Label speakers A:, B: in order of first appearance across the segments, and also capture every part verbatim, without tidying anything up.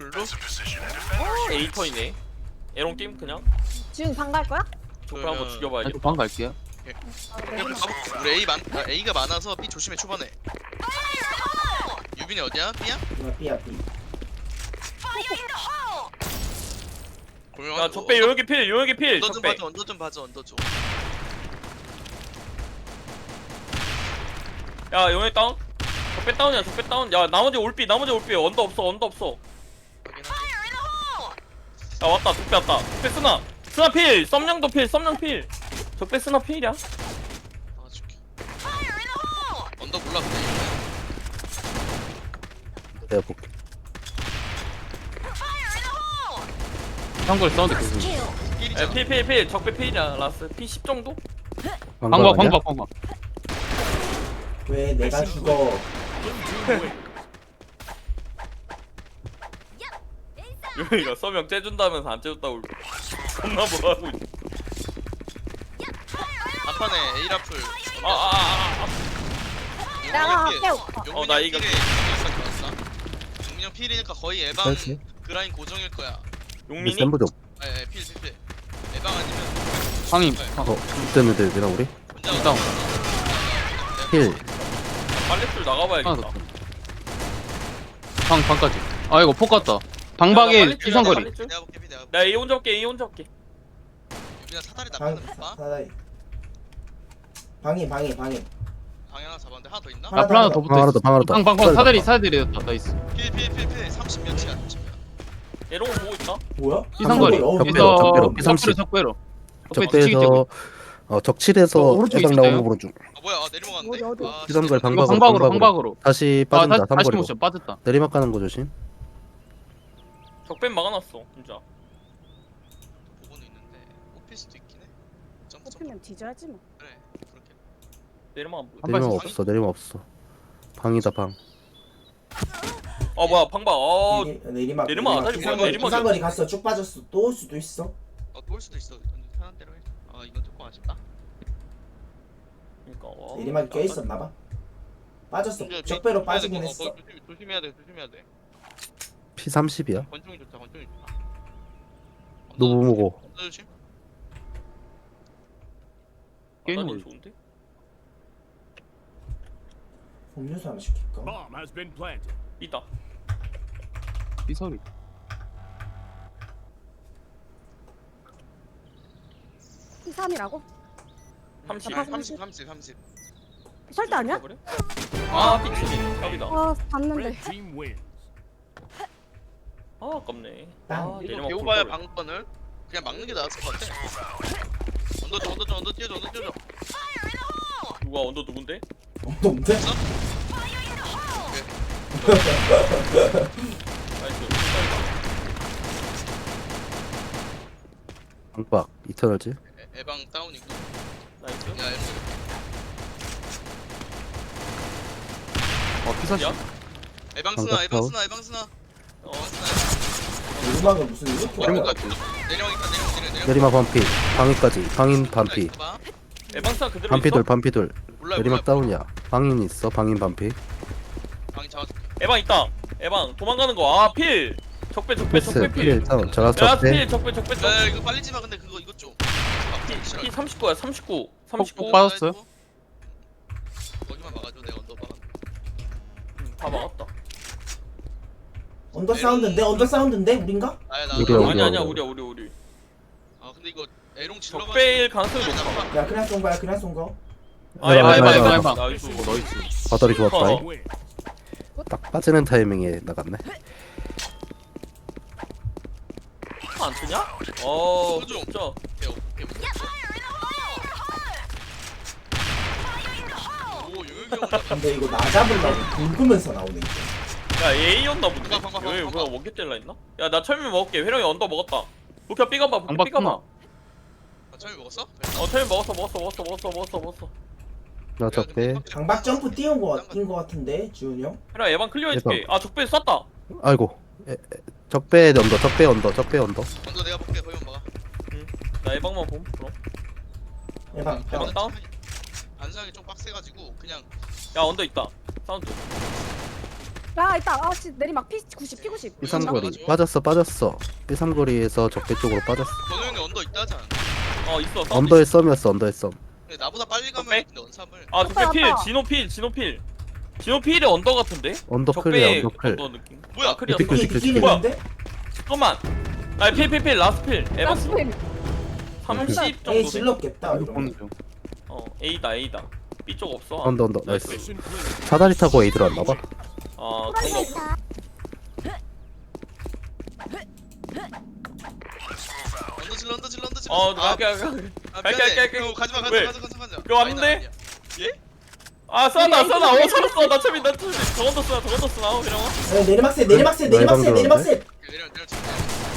A: 블루?
B: 어, 에이터이네. 에롱 게임 그냥
C: 지금 방 갈 거야?
B: 적배 한번
A: 그러면-
B: 죽여봐야겠다.
D: 아니, 방 갈게요.
C: 아,
A: 그냥
C: 네.
A: 가볼게. 우리 A 많 아, A가 많아서 B 조심해 초반에. 유빈이 어디야? B야?
E: 이거 B야 B.
A: 고명한
B: 야 적배 요역이 필, 요역이 필.
A: 언더 좀
B: 적배.
A: 봐줘 언더 좀 봐줘 언더 좀.
B: 야 요역 다운. 적배 다운이야, 적배 다운. 야 나머지 올비, 나머지 올비. 언더 없어, 언더 없어.
A: 확인하게.
B: 야 왔다, 적배 왔다. 적배 쓰나, 쓰나 필. 썸냥도 필, 썸냥 필. 적배 쓰나 필이야.
A: 아 줄게. 언더 몰라 근데 이거.
F: 내가 볼게.
D: 한걸 사운드 계속.
B: 야
A: 필이잖아.
B: 필, 필, 필. 적배 필이야. 라스 피 십 정도?
D: 방박
F: 아니야?
D: 방박 방박.
E: 왜 내가 죽어?
B: 요역이가 썸냥 째준다면서 안 째줬다고 겁나 뭐하고 있어.
A: 앞판에 A 라플.
B: 아, 아, 아, 아.
C: 내가 깨울까?
B: 어, 나 이거-
A: 용민형 필이니까 거의 예방
F: 그렇지.
A: 그라인 고정일 거야.
B: 용민이?
F: 센부 좀.
A: 예, 필, 필, 필. 예방 아니면
D: 방임.
A: 네.
F: 어, 때문에 되나 우리?
A: 혼자
D: 일단.
F: 힐.
B: 빨래줄
D: 하나
B: 나가봐야겠다.
D: 더. 방 방까지. 아 이거 폭 같다.
B: 야,
D: 방박에
B: 나 빨리
D: 유상거리.
B: 빨리 줄.
A: 내가 볼게, 필 내가 볼게.
B: 나 A 혼자 올게, A 혼자 올게.
A: 유빈아 사다리
E: 방
A: 나가는 거 봐.
E: 사다리. 방이 방이 방이.
A: 방에 하나 잡았는데 하나 더 있나?
E: 하나
D: 앞으로 하나 더
E: 더,
D: 붙어
F: 하나
D: 있어.
F: 더, 하나 더.
D: 방방방 사다리 사다리였다. 나이스.
A: 필, 필, 필, 필. 삼십 몇이야, 삼십 몇.
B: 에롱 보고 있다.
E: 뭐야?
D: 이상거리.
E: 어,
F: 적배로,
D: 여기서
F: 적배로, 피삼십.
D: 적배로 적배로. 적배 뒤치기
F: 적배에서
D: 찍고.
F: 어 적칠에서
D: 어, 오른쪽에
F: 애방
D: 있었어요?
F: 나오는 거 보는 중.
A: 아 뭐야? 아, 내리막았는데?
C: 어디, 어디?
A: 아,
F: 피삼걸
A: 진짜
D: 이거
F: 방박으로,
D: 방박으로
F: 방박으로.
D: 방박으로.
F: 다시
D: 아
F: 빠진다.
D: 다시 다시
F: 삼거리로.
D: 모션 빠졌다.
F: 내리막 가는 거 조심.
B: 적배 막아놨어, 진짜.
A: 보고는 있는데 오피스도 있긴 해. 점프 점프.
C: 뽑히면 뒤져야지 뭐.
A: 그래. 그렇게.
B: 내리막 안 보여.
D: 한
F: 내리막
D: 발씩
F: 없어. 내리막 없어. 방이다 방.
B: 아 뭐야, 방박. 어,
E: 내리, 내리막
B: 내리막 아다리 뭐야,
E: 이상거리
B: 내리막이
E: 이상거리 갔어. 쭉 빠졌어. 또 올 수도 있어.
A: 어, 또 올 수도 있어. 완전 편한 대로 해. 아, 이건 조금 아쉽다.
B: 그러니까. 와,
E: 내리막이 껴 있었나 봐. 빠졌어. 적배로 빠지긴
A: 어,
E: 했어.
A: 어, 조심, 조심해야 돼. 조심해야 돼.
F: 피 삼십이야.
A: 권총이 좋다. 권총이 좋다.
F: 노부모고.
A: 언더 조심.
D: 게임
B: 아다리
D: 올려.
B: 좋은데?
E: 음료수 하나 시킬까?
G: Bomb has been planted.
B: 있다.
D: 이 소리.
C: 삼이라고?
B: 삼십.
C: 아,
A: 삼십, 삼십, 삼십.
C: 설대 아니야?
B: 그래? 아, 삐치기. 갑이다.
C: 아 봤는데.
G: Red team wins.
B: 아, 아깝네.
E: 땅.
B: 아,
A: 이거
B: 내리막
A: 배워봐야
B: 볼걸.
A: 방법을 그냥 막는 게 나았을 것 같아. 언더 좀, 언더 좀, 언더 뛰어줘, 언더 뛰어줘.
B: 누가 언더 누군데?
E: 어, 뭔데?
B: 나이스.
F: 방박. 이터널지.
A: 에- 에방 다운이고.
B: 나이스.
A: 야, 에방.
D: 어 피사시.
B: 야?
A: 에방 스나,
F: 방금
A: 에방
F: 다운.
A: 스나, 에방 스나.
B: 어,
A: 에방 스나.
E: 내리막은 무슨 이렇게
A: 내리막
E: 와요?
A: 같은 내리막 있다, 내리막, 내리막, 내리막.
F: 내리막 반피. 방위까지. 방인 반피.
A: 봐봐.
B: 에방스나 그대로
F: 반피돌
B: 있어?
F: 반피돌.
A: 몰라요, 몰라요.
F: 내리막 다운이야. 방인 있어. 방인 반피.
A: 방이 잡아줄게.
B: 에방 있다. 에방 도망가는 거. 아, 필. 적배, 적배,
F: 패스.
B: 적배 필.
F: 필 다운. 저라
B: 야,
F: 적대.
B: 필, 적배, 적배, 적배.
A: 야, 이거 빨리 지마. 근데 그거 이거 좀. 아,
B: 피 삼십구야, 삼십구. 삼십구.
D: 폭 빠졌어요?
A: 거기만 막아줘. 내가 언더 막아.
B: 음, 다 막았다.
E: 언더 사운드인데? 언더 사운드인데? 우린가?
A: 나야, 나.
F: 우리야,
A: 나.
F: 우리야.
B: 아니 아니야, 우리야, 우리, 우리.
A: 아, 근데 이거 에롱 질러가지고.
B: 적배일 가능성이 높아.
E: 야 그냥 쏜 거야 그냥 쏜 거.
B: 아,
F: 에방,
B: 에방,
F: 에방,
B: 에방,
D: 에방.
B: 에방. 나이스.
D: 어 나이스.
F: 바다리 좋았다.
B: 어.
G: Win.
F: 딱 빠지는 타이밍에 나갔네.
B: 안 뜨냐? 어,
A: 그죠?
B: 진짜.
A: 오케이, 오케이, 오케이. 오, 요요이 형은 약간
E: 근데 이거 나 잡으려고 긁으면서 나오네 이제.
B: 야, A였나 본데.
A: 방방, 방방,
B: 왜,
A: 방방.
B: 뭐야, 원개 뗄라 했나? 야, 나 철미 먹을게. 회령이 언더 먹었다. 부캐 삐가봐, 부캐
D: 방박
B: 삐가봐.
D: 끊어.
A: 아, 처음에 먹었어?
B: 어, 철미 먹었어, 먹었어, 먹었어, 먹었어, 먹었어, 먹었어.
F: 나 적대.
E: 장박 점프 띄운 거 뛴 거 같은데 지훈이 형?
B: 회령 에방 클리어 해줄게. 아, 적배 쐈다.
F: 아이고. 에, 에, 적배 언더. 적배 언더. 적배 언더.
A: 먼저 내가 볼게. 거기만 막아.
B: 나 에방만 봄, 그럼.
E: 에방
B: 에방
E: 다운.
B: 다운?
A: 반상이 좀 빡세가지고 그냥
B: 야, 언더 있다. 사운드.
C: 야 있다. 아씨 내리막 피 구십 피 구십.
F: 삐삼거리 빠졌어 빠졌어. 삐삼거리에서 적배 쪽으로 빠졌어.
A: 건우 형이 언더 있다 하잖아.
B: 어 있어 사운드
F: 언더의
B: 있어.
F: 썸이었어 언더의 썸.
A: 근데 나보다 빨리 가면
B: 적배?
A: 근데 원삼을.
B: 아 적배
C: 왔다,
B: 필
C: 왔다.
B: 진호 필 진호 필 진호 필이 언더 같은데?
F: 언더 클이야
B: 적배
F: 언더 클.
B: 언더 느낌
A: 뭐야?
B: 아 클이었어
F: 삐끗,
E: 삐
F: 삐끗,
E: 삐끼는
B: 뭐야?
E: 있는데?
B: 잠깐만 아 필필필 라스트 필 에바스
C: 라스트
B: 삼십
E: A
B: 정도
E: 질렀겠다.
D: 이거 보는
E: 이러면.
D: 중.
B: 어 A다 A다 B 쪽 없어
F: 언더 언더 나이스. 사다리 타고 A 들어왔나봐.
B: 아 그런 거 없어
A: 언더 질러 언더 질러 언더 질러.
B: 어
A: 아,
B: 갈게 갈게
A: 아,
B: 갈게,
A: 미안해.
B: 갈게, 갈게.
A: 어, 가지마
B: 왜?
A: 가지마 가지마 가지마.
B: 이거 왔는데?
A: 아니다, 아니야. 예?
B: 아 쏘나 쏘나 어 살았어 나 참이 나 참이 저건더 쏘나 저건더 쏘나 이런 거
E: 네, 내리막세 내리막세 내리막세
F: 나
E: 내리막세.
A: 내려 내려 쳐.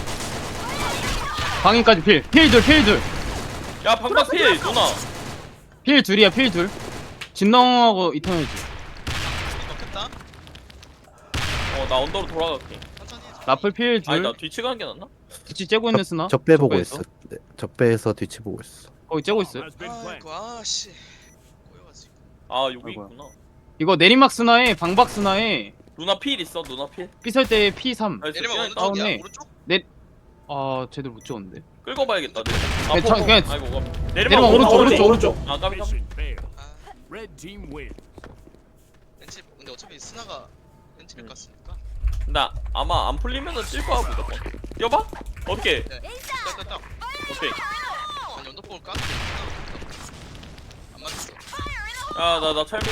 D: 방인까지 필. 필 둘, 필 둘.
B: 야 방박 필 누나
D: 필 둘이야, 필 둘. 진동하고 이터널지.
A: 넣겠다.
B: 어나 언더로 돌아갈게
A: 천천히. 해.
D: 라플 필 둘.
B: 아니 나 뒤치 가는 게 낫나?
D: 뒤치 째고 있는 스나.
F: 적배 보고
D: 적배에서?
F: 있어. 네, 적배에서 뒤치 보고 있어.
D: 거기 째고 있어요.
A: 아이고 아씨. 꼬여가지고.
B: 아 여기
D: 아이고야.
B: 있구나
D: 이거 내리막 스나에 방박 스나에
B: 누나 필 있어 누나 필
D: 삐설 때 피 삼.
B: 나이스,
A: 내리막 어느
B: 필.
D: 다운해.
A: 쪽이야? 오른쪽?
D: 아 제대로 못 찍었는데.
B: 끌고 봐야겠다 내려 아
D: 네, 저-
B: 포, 포.
D: 그냥-
B: 아이고 가
D: 내리막
B: 내리막
D: 오른쪽,
B: 오른쪽
D: 오른쪽.
E: 오른쪽.
B: 아 까비 까비
A: 아
G: Red team win.
A: 벤치 근데 어차피 스나가 벤치를
B: 음.
A: 깠으니까.
B: 나 아마 안 풀리면은 찔 거야 무조건 뛰어봐? 어떻게
A: 네. 딱딱딱.
B: 오케이
A: 아니 언더볼 까? 안 맞았어.
B: 야나 나 찰미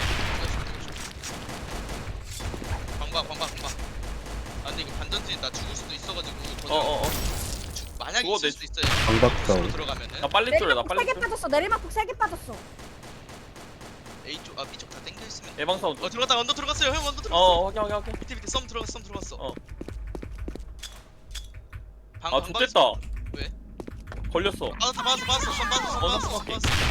A: 방박 방박 방박. 아 근데 이거 반전지 나 죽을 수도 있어가지고. 이거
B: 어어어
A: 주- 만약에
B: 그거
A: 있을
B: 내-
A: 수도 있어요.
F: 방박
A: 수로
F: 다운.
A: 들어가면은
B: 나 빨리 뚫려 나
C: 내리막
B: 빨리
C: 세개
B: 뚫려
C: 빠졌어. 내리막 세 개 빠졌어.
A: A 쪽, 아 B 쪽 다 땡겨 있으면.
B: 예방 사운드
A: 어 들어갔다 언더 들어갔어요 형 언더 들어갔어.
B: 어 확인 확인 확인
A: 밑에 밑에 썸 들어갔어 썸 들어갔어.
B: 어.
A: 방,
B: 아
A: 방방에서-
B: 좋됐다
A: 왜?
B: 걸렸어
A: 빠졌어 빠졌어 빠졌어 썸 빠졌어 썸
B: 어,
A: 빠졌어 썸
B: 오케이.
A: 빠졌어.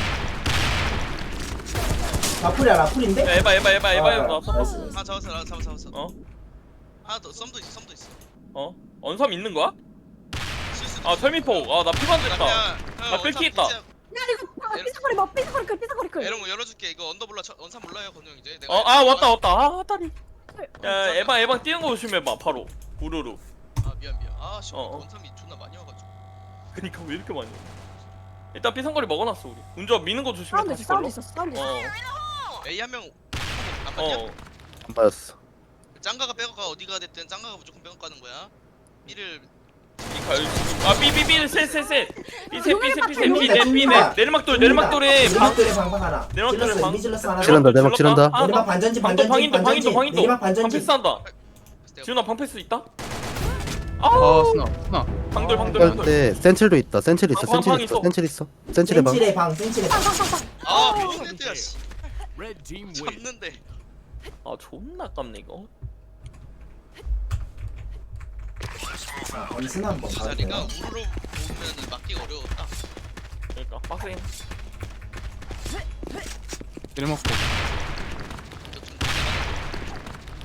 E: 라플이야 라플인데?
B: 야 에바 에바 에바 에바 에바
E: 아,
B: 나
E: 나이스,
B: 어?
E: 나이스.
A: 아 잡았어 나 잡았어 잡았어.
B: 어?
A: 하나 더 썸도 있어 썸도 있어.
B: 어? 언삼 있는 거야?
A: 실수도
B: 아
A: 있어.
B: 철미폭 아나 피반
A: 나
B: 됐다
A: 그냥
B: 나
A: 형
B: 뺄게
A: 원삼
B: 있다.
A: 진짜-
C: 야 이거 삐사거리 뭐 삐사거리 클 삐사거리 클.
A: 에롱 열어줄게 이거 언더 몰라 저- 원삼 몰라요 건우 형 이제. 내가
B: 어 아 왔다 왔다 아 다리
A: 어,
B: 야 에방 에방 뛰는 거 조심해봐 바로 우르르
A: 아 미안 미안. 아씨
B: 어, 어.
A: 원삼이 존나 많이 와가지고.
B: 그니까 왜 이렇게 많이 와? 일단 삐상거리 먹어놨어 우리 운전 미는 거 조심해
C: 사운드
B: 다시
C: 있어 사운드
B: 걸로
C: 있어 사운드 있어.
A: A 한 명. 안 맞냐?
B: 어어
F: 안 맞았어.
A: 짱가가 빼고가 어디가 됐든 짱가가 무조건 빼고 가는 거야. B를
B: 아 삐삐삐 셋셋셋 삐셋 삐셋 삐셋
E: 뚫린다,
B: 삐넷 삐넷
E: 뚫린다.
B: 내리막돌 내리막돌에 방
E: 내리막돌에 방방 하나.
B: 내리막돌에
E: 질렀어
B: 방
E: 이미 질렀어 하나.
F: 지른다, 내리막 지른다.
B: 아,
E: 내리막
B: 방-
E: 반전지
B: 방도
E: 반전지
B: 방인도
E: 반전지.
B: 방인도 방인도
E: 내리막 반전지.
B: 방패스한다 지훈아 방패스 있다?
D: 아
B: 아우
D: 스나 스나.
B: 방돌 방돌
F: 그럴
B: 방돌
F: 때 센칠도 있다. 센칠 있어.
B: 방, 방,
F: 센칠
B: 방
F: 있어.
B: 있어.
F: 센칠 있어. 센칠의 방.
E: 센칠의 방 센칠의 방.
C: 빵빵빵빵.
A: 아 미친놈들야 씨.
G: Red team win.
A: 잡는데.
B: 아 존나 깝네 이거
E: 자 원순 한번
A: 이
E: 봐도
A: 자리가
E: 돼요.
A: 우르르 보면은 막기가 어려웠다.
B: 그러니까 빡세임
D: 내리막 포.
A: 이거 좀 내가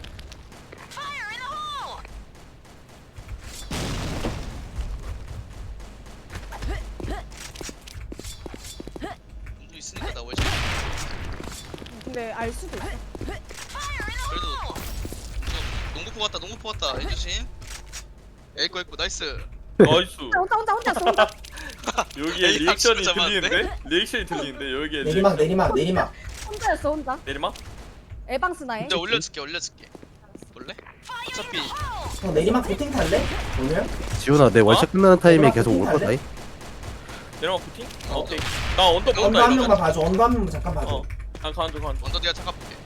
A: 운도 있으니까 나 월샷.
C: 근데 알 수도 있어.
A: 그래도 이거 농구포 같다 농구포 같다 해주심. 에이코 에이코 나이스.
B: 나이스
C: 혼자 혼자 혼자 혼자.
B: 여기에
A: 에이,
B: 리액션이
A: 박수 잡았는데?
B: 들리는데? 리액션이 들리는데 여기에
E: 내리막
B: 리액션.
E: 내리막 내리막.
C: 혼자였어 혼자.
B: 내리막?
C: 에방스나에.
A: 이제 올려줄게 올려줄게. 볼래? 어차피
E: 형 내리막 보팅 탈래? 오늘?
F: 지훈아 내 월샷 끝나는 타이밍에 계속 올 거다. 이.
B: 내리막 부팅? 아, 오케이 나 언더
E: 언더
B: 본다
E: 한
B: 이러면
E: 명만 봐줘. 언더 한 명만 잠깐 봐줘.
B: 어난 가는중 가는중
A: 언더 뒤에 잠깐 볼게.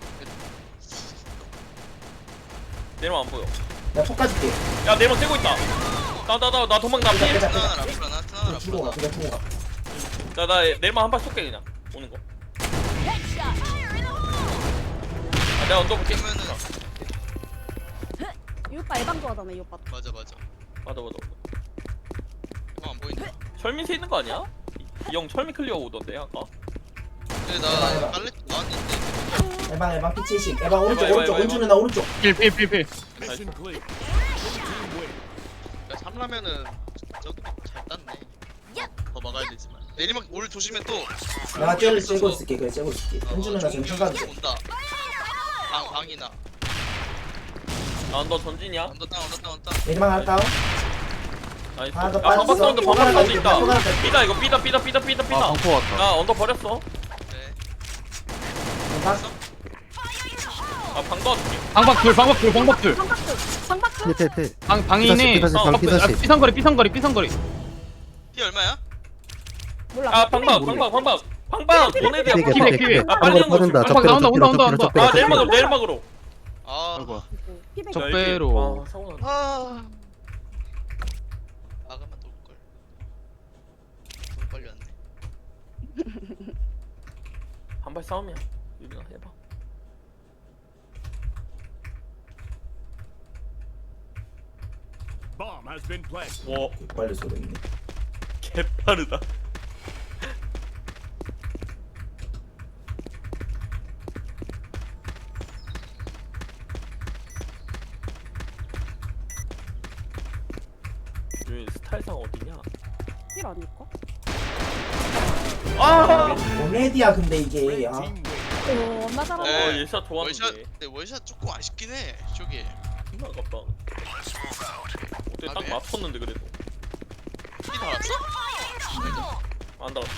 B: 내리막 안 보여
E: 내가 폭 까줄게.
B: 야 내리막 떼고 있다 나나나 나 도망
E: 빼자,
B: 나필
E: 빼자.
A: 트나나 라플라나 트나나
E: 그냥 주고 가.
A: 라플라나.
E: 그냥 주고 가.
B: 나나 내리막 한 발 쏠게 그냥 오는 거 아, 내가 언더 볼게
A: 그러면은
C: 이 오빠 에방 좋아하잖아 이 오빠.
A: 맞아 맞아.
B: 맞아 맞아
A: 이거 안 보인다.
B: 철민세 있는 거 아니야? 이 형 철민 클리어 오던데 아까
A: 근데 나 빨래 나왔는데.
E: 에방 에방 피 칠십. 에방 오른쪽
B: 에방,
E: 오른쪽
B: 에방,
E: 원준은 나 오른쪽.
D: 필필필필.
G: Mission clear. Blue team win.
A: 야 삼라면은 저기 잘 땄네. 더 막아야 되지만. 내리막 올 조심해 또.
E: 내가 쟤를 째고 있을게. 그래 째고 있을게.
A: 어,
E: 원준은 나 지금
A: 종균이
E: 평가도 돼.
A: 온다. 방 방이나.
B: 아 언더 전진이야?
A: 언더 다운 언더 다운 다운.
E: 내리막 하나 다운.
B: 나이스.
E: 하나 더
B: 야 방박
E: 빠졌어.
B: 사운드
E: 또
B: 방박
E: 하나
B: 사운드
E: 더
B: 있다.
E: 또 하나 더
B: 삐다 이거 삐다 삐다 삐다 삐다
D: 아
B: 삐다.
D: 방포 왔다.
B: 나 언더 버렸어.
A: 네.
E: 방-
B: 아 방도 줄게.
D: 방박 둘 방박 둘 방박 둘.
C: 방박도 방박도
F: 필필필
D: 방 방이네.
F: 피사시
B: 어,
F: 방
D: 아,
F: 피사시
D: 삐상거리 삐상거리 삐상거리.
A: 피 얼마야?
C: 몰라.
B: 아 방박 방박 방박 방박 보내드야.
F: 피백
D: 피백,
F: 피백
D: 피백.
F: 피백
B: 아, 빨리
F: 한걸
B: 한 거
F: 빠진다
B: 줄-
F: 적배로
D: 나온다, 온다,
F: 적배로
D: 온다,
F: 적배로
B: 아
F: 적배로
B: 내일막으로
F: 적배로
B: 내일막으로.
A: 아.
D: 아이고.
C: 피백.
D: 적- 적배로.
B: 아 사고 났네.
A: 아. 아가만 놀 걸. 너무 빨리 왔네.
B: 한발 싸움이야. 유빈아 해봐.
G: Bomb has been planted.
B: 와
E: 빨리 쏘겠네.
B: 개빠르다. 유빈 스타일상 어디냐?
C: 필 아닐까?
B: 아.
E: 오메디야 근데 이게
G: Red
E: 아,
G: team win.
C: 오, 나 잘한다.
A: 네.
B: 어 예샷
A: 월샷
B: 좋았는데.
A: 근데 월샷 조금 아쉽긴 해. 저기.
B: 존나 아깝다. 어때
A: 아,
B: 딱
A: 그래?
B: 맞췄는데 그래도.
A: 피 달았어?
B: 안 달았어.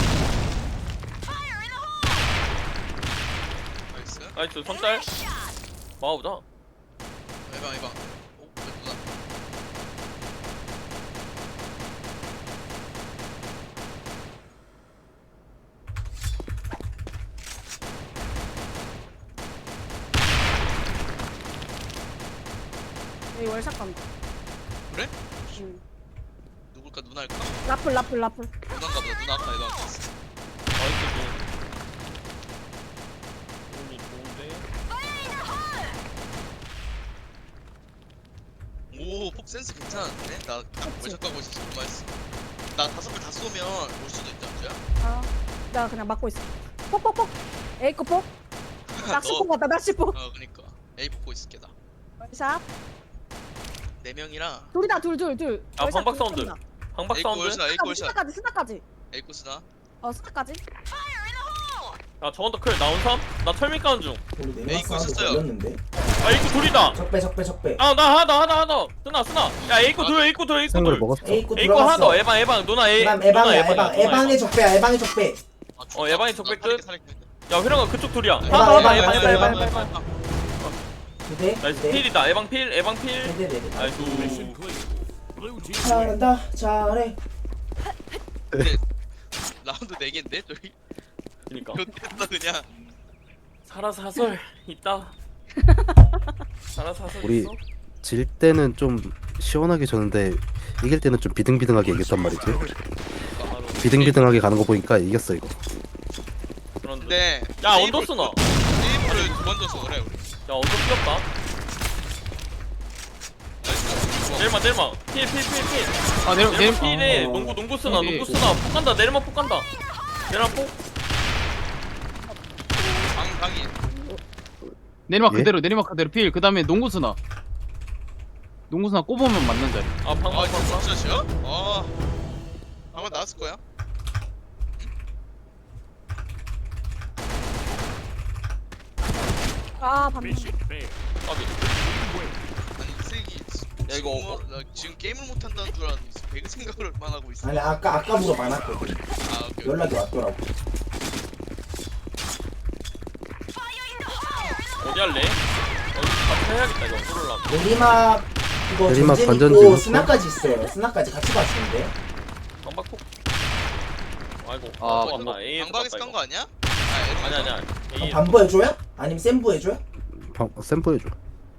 A: 나이스.
B: 나이스 선짤. 마우자.
A: 이방 이방. 오 예쁘다.
C: 여기 월샷 간다.
A: 그래?
C: 응.
A: 누굴까 누나일까?
C: 라플 라플 라플.
A: 누나인가 보다. 누나 아까 이방 갔어.
B: 나이스 좋은. 운이 좋은데.
A: 오, 폭 센스 괜찮은데? 나 월샷 가고 있어서 얼마했어? 나 다섯 발 다 쏘면 올 수도 있다, 진짜?
C: 아, 나 그냥 막고 있어. 폭폭폭. 에이코 폭. 낚시폭 같다 낚시폭.
A: 어, 그니까. A 보고 있을게, 나.
C: 월샷.
A: 네 명이라
C: 둘이다 둘 둘 둘.
B: 아,
C: 월샷
B: 방박
C: 둘
B: 사운드.
C: 쏜다.
B: 방박
A: A
B: 사운드.
A: 골샷, A
C: 스나까지
A: 골샷.
C: 스나까지 스나까지.
A: A 코스나.
C: 어 스나까지.
B: 야 저건더 클 나온 삼? 나 철민 가는 중.
E: 우리
A: 에이,
E: 내리막 사운드
A: 있었어요.
E: 걸렸는데.
B: 아 이거 둘이다.
E: 적배 적배 적배.
B: 아 나 하나 하나 하나. 쓰나 쓰나. 야 에이코
A: 아,
B: 둘 에이코 둘 에이코
F: 생걸
B: 둘.
F: 먹었어
E: A구
B: 에이코 하나 더.
E: 들어갔어.
B: 에방 에방 누나 에.
E: 그다음
B: 누나
E: 에방이야
B: 에방이야,
E: 에방.
B: 누나
E: 에방의 적배야 에방의 적배.
A: 아,
B: 어, 에방이 적백
A: 나 살릴게,
B: 끝?
A: 살릴게.
B: 야 회랑아 그쪽 둘이야.
E: 에방,
B: 하나 더
E: 에방,
B: 에방
E: 에방,
B: 에방
E: 에방,
B: 에방
E: 에방.
B: 에방.
E: 두대.
B: 나이스
E: 두대.
B: 필이다. 에방 필 에방 필.
E: 네네 네네.
B: 나이스.
G: Mission clear. Blue team win.
E: 잘한다 잘해.
A: 라운드 네 개인데? 저기?
B: 그니까.
A: 이렇게 했다, 그냥.
B: 살아사설 있다. 살아사설
F: 우리
B: 있어?
F: 질 때는 좀 시원하게 졌는데 이길 때는 좀 비등비등하게 이겼단 말이지
B: 바로.
F: 비등비등하게 가는 거 보니까 이겼어 이거
B: 그런데.
A: 근데.
B: 야 언더 쓰나?
A: 세이브를 두 번 줘서 그래, 우리.
B: 야 언더 뛰었다.
A: 나이스.
B: 내일마 내일마 필필필필.
D: 아 내려 내려.
B: 내일마 필에
E: 어.
B: 농구 농구 쓰나
D: 필이.
B: 농구 쓰나 폭 간다 내일마 폭 간다. 내일마 폭.
A: 방, 방이.
D: 내리막
F: 예?
D: 그대로 내리막 그대로 필. 그다음에 농구수나. 농구수나 꼽으면 맞는 자리.
B: 아 방방
A: 아, 이거
B: 방방.
A: 진짜시야? 아. 아마 나왔을 거야.
C: 아 반면.
G: Mission failed.
B: 까비.
G: Win.
A: 아니, 이 새끼.
B: 야, 이거
A: 지금 뭐- 나 지금 게임을 못 한다는 줄 알았는데 배그 생각을만 하고 있어.
E: 아니 아까 아까보다 많았거든.
A: 아, 오케이.
E: 연락이 왔더라고.
B: 어디 할래? 어디 같이 해야겠다 이거 뚫으려면.
E: 내리막 이거
F: 내리막
E: 전진
F: 관전
E: 있고
F: 지금
E: 스나까지 있어요. 스나까지 같이 봤는데.
B: 방박 폭. 아이고.
D: 아,
B: 아
A: 방방-
B: 맞나? A
A: 방방에서 깐 거 아니야? 아, 에러
B: 아니 아니 아니.
E: 그럼
B: A.
E: 반부 해줘요? 아니면 센부 해줘요?
F: 방, 샘플 해줘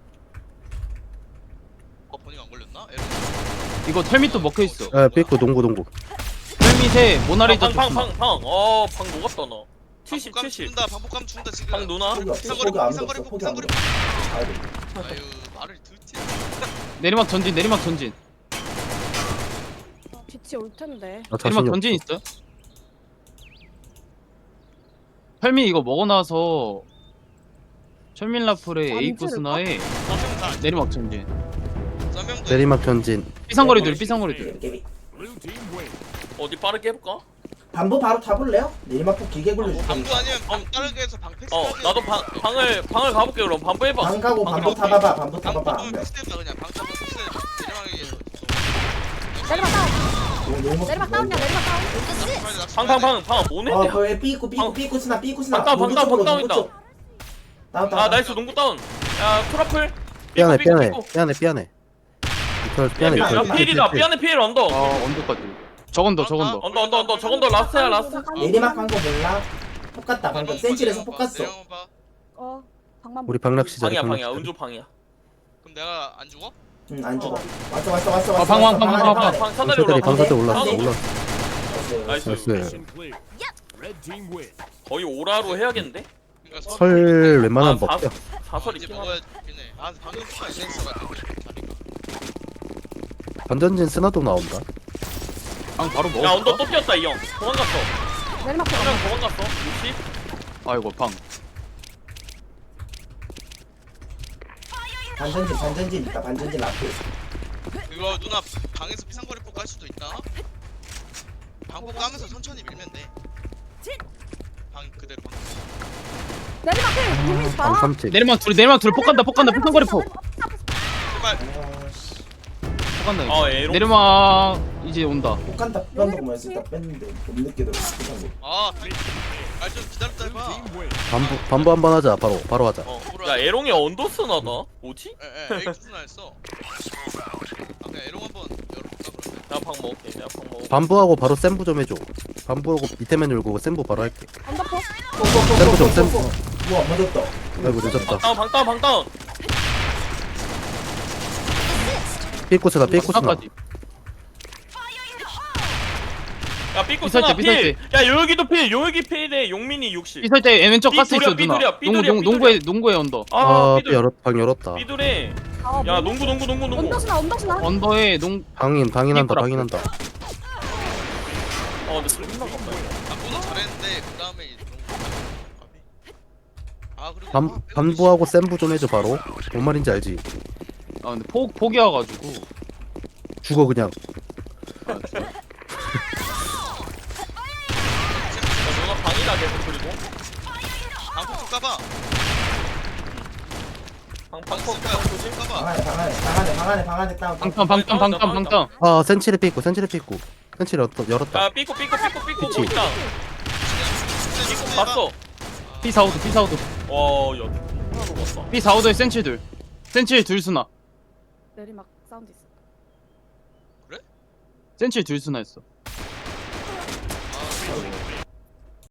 A: 어, 버닝 안 걸렸나? 에러.
D: 이거 텔밋도 먹혀 있어.
F: 아 삐꾸 농구 농구
D: 텔밋에 모나리자 쪽 쓰나.
B: 방방방방. 어, 방 녹았다 나. 칠십
A: 방폭감
B: 칠십.
A: 죽는다. 방폭감 죽는다 지금.
B: 방 누나.
E: 포기 없어.
A: 비상거리,
E: 포기 안
A: 비상거리,
E: 줬어. 포기 안
A: 비상거리.
E: 줬어. 아이고.
A: 아유, 말을 듣지.
D: 내리막 전진 내리막 전진.
C: 아, 빛이 올 텐데.
F: 나
D: 내리막
F: 자신이
D: 전진
F: 없어
D: 있어. 철민 이거 먹어 나서 철민 라플에
C: 잠
D: 에이코스나에
A: 썸명다.
D: 내리막 전진.
A: 썸명도.
F: 내리막 전진
D: 삐상거리들 삐상거리들.
E: 깨비.
G: Blue team win.
B: 어디 빠르게 해볼까?
E: 반부 바로 타볼래요? 내리막폭 길게 굴려줄게.
A: 방구 아니면 방 다르게 해서 방 패스.
B: 어 나도 방 방을 방을 가볼게 그럼 반부 해봐.
E: 방 가고 반부
A: 방금
E: 타봐봐. 반부
A: 방구
E: 타봐봐.
A: 보면 패스해봐 그냥 방 타면 패스해봐. 내려가기
C: 내리막 다운.
E: 너무 너무
C: 내리막 다운이야. 내리막 다운.
B: 방방방방 뭐네?
E: 어, 그 삐꾸 삐꾸 삐꾸 스나 삐꾸 스나.
B: 방다운,
E: 농구
B: 방다운,
E: 쪽으로,
B: 방다운이다.
E: 농구 쪽. 다운 다운.
B: 아 나이스 농구 다운. 야 트러플.
F: 삐안해
B: 삐꾸,
F: 삐안해
B: 삐꾸.
F: 삐안해 삐안해 이털 삐안해
B: 야
F: 이털
E: 삐꾸.
B: 필이다. 삐안에 필 언더.
D: 아 언더까지. 저건 더 저건 더.
B: 언더 언더 언더 저건 더 라스트야 라스트.
E: 내리막 간 거 몰라? 폭 갔다 방금 센칠에서 폭 갔어.
A: 내려봐.
C: 어. 방만.
F: 우리 방락 시절에
B: 방이야
F: 방락
B: 방이야
F: 시절에.
B: 은조 방이야.
A: 그럼 내가 안 죽어?
E: 응, 안 죽어. 왔어 왔어 왔어
D: 아,
E: 왔어.
D: 방,
E: 왔어,
D: 방, 방,
E: 안에,
D: 방,
E: 방 안에.
B: 방 사다리
F: 방사들이
B: 올라가.
F: 방사들 올랐어
E: 네.
F: 올랐어
B: 나이스.
F: 나이스.
G: Mission clear. Red team win.
B: 거의 오라로 해야겠는데?
A: 그러니까
F: 설 웬만하면
B: 아,
F: 먹자
B: 사설
A: 이제
B: 있긴 하네.
A: 먹어야긴 해. 아 방금 폭발 센스가지고 자리가.
F: 반전진 스나도 나온다
D: 방 바로 먹어.
B: 야 언더 또 뛰었다 이 형. 도망갔어.
C: 내리막 다운.
B: 한명 도망갔어. 육십.
D: 아이고 방.
E: 반전진 반전진 있다. 반전진 앞에.
A: 이거 누나 방에서 피상거리 폭 갈 수도 있다. 방폭 까면서 천천히 밀면 돼. 방 그대로 방.
C: 내리막 필. 유민 봐.
F: 방삼칠
D: 내리막 둘 내리막 둘 폭간다 폭간다 폭간거리 폭.
A: 제발.
E: 아씨.
D: 폭간다.
B: 어 에로.
D: 내리막 이제 온다.
E: 폭 간다. 폭간다 뭐였어? 딱 뺐는데 못 늦게 들어.
A: 아, 알좀 기다렸다
G: Red
A: 해봐.
G: team win.
F: 반부 반부 한 번 하자 바로 바로 하자
B: 어. 야 에롱이 언더 쓰나다. 뭐지?
A: 에, 에, 에이투스나 했어. 아, 그냥 에롱 한번 열어볼까 그러면.
B: 내가 방 먹을게. 내가 방 먹을게.
F: 반부하고 바로 센부 좀 해줘 반부하고 밑에만 열고 센부 바로 할게
C: 언더포.
F: 센부 좀 센부
E: 우와 맞았다.
F: 아이고 늦었다
B: 다운 방 다운 방 다운.
F: 삐꾸스나 삐꾸스나
D: 방까지.
B: 야 삐꾸
D: 비설
B: 쓰나
D: 때, 비설
B: 필. 야 요기도 필. 요기 필에 용민이 육십.
D: 이설 때 왼쪽 가스 있어
B: 삐뚤이야,
D: 누나.
B: 삐뚤이야,
D: 농구 농
B: 삐뚤이야.
D: 농구에 농구에 언더.
B: 아
F: 아
B: 삐들.
F: 열었 방 열었다
B: 삐들해.
C: 아,
B: 야
C: 뭐.
B: 농구 농구 농구 농구.
C: 언더스나 언더스나.
D: 언더에 농
F: 방인 방인한다
D: 삐꾸라.
F: 방인한다
B: 어 근데 슬림 나갔다.
A: 방보다 잘했는데 그 다음에 아 그리고
F: 반,
A: 아, 빼고
F: 반부하고 센부 좀 해줘 바로 뭔 말인지 알지
D: 아 근데 폭 폭이어가지고.
F: 죽어 그냥
B: 야, 너가 방이다 계속 그리고.
A: 방폭 좀 까봐.
B: 방
A: 방
B: 방폭
A: 쓸 거야.
B: 방 조심.
E: 방
A: 까봐.
E: 안에 방 안에 방 안에 방 안에 방 안에 다운.
D: 방탄 방탄 방탄 방탄.
F: 아 센치를 삐꾸 센치를 삐꾸 센치를 열었다, 열었다.
B: 야 삐꾸 삐꾸 삐꾸 삐꾸
F: 그치.
B: 뭐 있다. 삐꾸 봤어.
D: B 사우드 B 사우드
B: 와야 하나도 봤어.
D: B 사우드에 센치 둘. 센치 둘 수나.
C: 내리막 사운드 있어.
D: 센치 둘 수나 했어.